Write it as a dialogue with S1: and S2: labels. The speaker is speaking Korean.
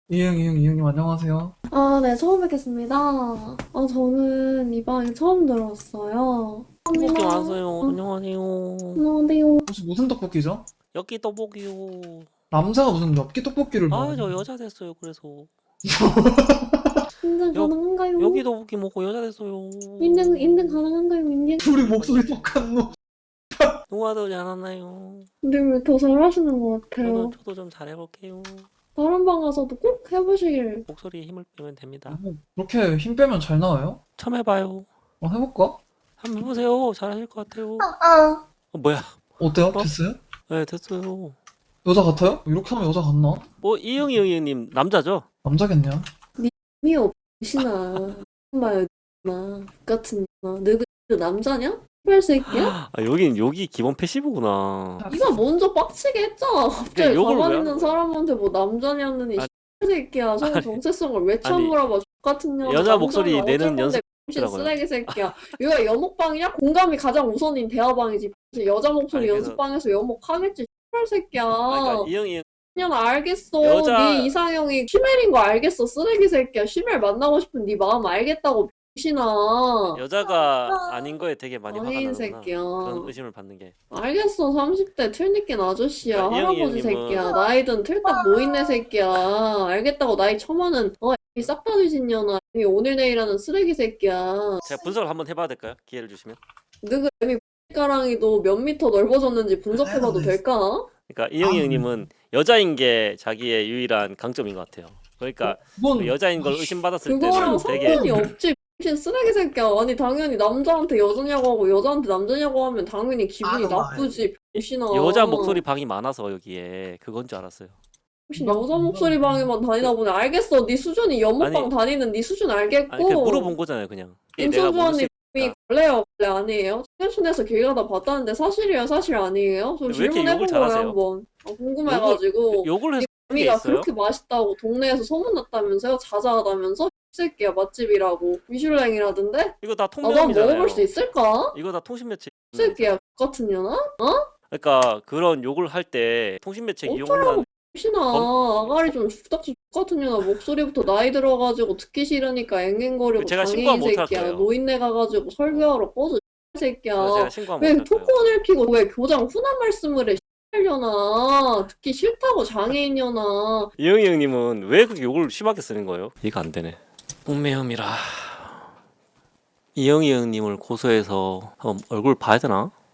S1: 이응님 안녕하세요.
S2: 네, 처음 뵙겠습니다. 저는 이 방에 처음 들어왔어요.
S3: 떡볶이
S2: 감사합니다.
S3: 왔어요. 안녕하세요.
S2: 안녕하세요.
S1: 혹시 무슨 떡볶이죠?
S3: 엽기 떡볶이요.
S1: 남자가 무슨 엽기 떡볶이를
S3: 아,
S1: 먹어?
S3: 저 여자 됐어요. 그래서
S2: 인증
S3: 여
S2: 가능한가요?
S3: 여기 떡볶이 먹고 여자 됐어요.
S2: 인증 가능한가요, 인증?
S1: 둘이 목소리 똑같노?
S3: 동화되지 않았나요?
S2: 근데 왜 더 잘하시는 것
S3: 저도
S2: 같아요.
S3: 저도 좀 잘해볼게요.
S2: 다른 방 가서도 꼭 해보시길.
S3: 목소리에 힘을 빼면 됩니다.
S1: 그렇게 힘 빼면 잘 나와요?
S3: 처음 해봐요.
S1: 해볼까?
S3: 한번 해보세요. 잘하실 것 같아요.
S2: 아,
S3: 뭐야?
S1: 어때요?
S3: 어?
S1: 됐어요?
S3: 네, 됐어요.
S1: 여자 같아요? 이렇게 하면 여자 같나?
S3: 이영희님 남자죠?
S1: 남자겠네요.
S2: 미 없이나. 봐요, 나 같은 나. 너그 남자냐? 할 새끼야?
S3: 아, 여기 기본 패시브구나.
S2: 네가 먼저 빡치게 했잖아. 갑자기
S3: 욕을
S2: 가만히
S3: 왜
S2: 있는
S3: 하는 거야?
S2: 사람한테 뭐 남자냐느니
S3: 아,
S2: 이 새끼야. 성 정체성을 왜 처물어봐. 같은 년아.
S3: 여자 목소리
S2: 남자는
S3: 내는
S2: 어쩔 건데 병신
S3: 연습이라고요.
S2: 쓰레기 새끼야. 여기가 여목방이냐? 공감이 가장 우선인 대화방이지. 여자 목소리
S3: 아니, 그래서
S2: 연습방에서 여목하겠지. 할 새끼야.
S3: 그러니까 이영희
S2: 그냥 알겠어.
S3: 여자
S2: 네 이상형이 쉬멜인 거 알겠어. 쓰레기 새끼야. 쉬멜 만나고 싶은 네 마음 알겠다고 병신아.
S3: 여자가 아닌 거에 되게 많이 화가
S2: 아닌
S3: 나는구나.
S2: 새끼야.
S3: 그런 의심을 받는 게.
S2: 알겠어. 30대 틀니낀 아저씨야.
S3: 그러니까 이영희
S2: 할아버지
S3: 형님은
S2: 새끼야. 나이든 틀딱 노인네 새끼야. 알겠다고 나이 처먹는 싹 다 뒤진년아. 이 오늘 내일하는 쓰레기 새끼야.
S3: 제가 분석을 한번 해봐야 될까요? 기회를 주시면.
S2: 너그 애미 가랑이도 몇 미터 넓어졌는지 분석해봐도 될까?
S3: 그러니까 이영희
S1: 아,
S3: 형님은 여자인 게 자기의 유일한 강점인 것 같아요. 그러니까 그
S1: 그건
S3: 여자인 걸 의심받았을
S2: 그거랑
S3: 때는 되게
S2: 상관이 없지. 병신 쓰레기 새끼야. 아니 당연히 남자한테 여자냐고 하고 여자한테 남자냐고 하면 당연히 기분이 나쁘지. 병신아.
S3: 여자 목소리 방이 많아서 여기에 그건 줄 알았어요.
S2: 혹시 여자 목소리 방에만 다니나 보네. 알겠어. 네 수준이 연못방
S3: 아니,
S2: 다니는 네 수준
S3: 아니 그냥
S2: 알겠고.
S3: 물어본 거잖아요, 그냥. 이게 내가
S2: 임성주원님 이
S3: 모르겠으니까.
S2: 걸레요, 걸레 아니에요? 최근순에서 길 가다 봤다는데 사실이에요, 사실 아니에요? 저
S3: 왜 이렇게 욕을
S2: 질문해본 거예요,
S3: 잘하세요?
S2: 한번. 궁금해가지고.
S3: 욕을 해서 그런 게
S2: 미가
S3: 있어요?
S2: 그렇게 맛있다고 동네에서 소문났다면서요? 자자하다면서? 이 새끼야, 맛집이라고. 미슐랭이라던데?
S3: 이거 다
S2: 난
S3: 통면이잖아요.
S2: 먹어볼 수 있을까?
S3: 이거 다 통신 매체.
S2: 이 새끼야, 같은 년아?
S3: 그러니까 그런 욕을 할 때 통신 매체 이용하는
S2: 어쩌라고, 혹시나. 아가리 좀 죽닥지 같은 년아. 목소리부터 나이 들어가지고 듣기 싫으니까 앵앵거리고
S3: 제가
S2: 장애인
S3: 신고하면 어떡할
S2: 새끼야.
S3: 거예요?
S2: 노인네 가가지고 설교하러 꺼져, 이 새끼야.
S3: 그래서 제가 신고하면
S2: 왜
S3: 어떡할 거예요?
S2: 토큰을 피고 왜 교장 훈한 말씀을 해, X려나. 듣기 싫다고 장애인려나.
S3: 이영희 형님은 왜 그렇게 욕을 심하게 쓰는 거예요? 이해가 안 되네. 옥매음이라. 이영희 형님을 고소해서 한번 얼굴 봐야 되나?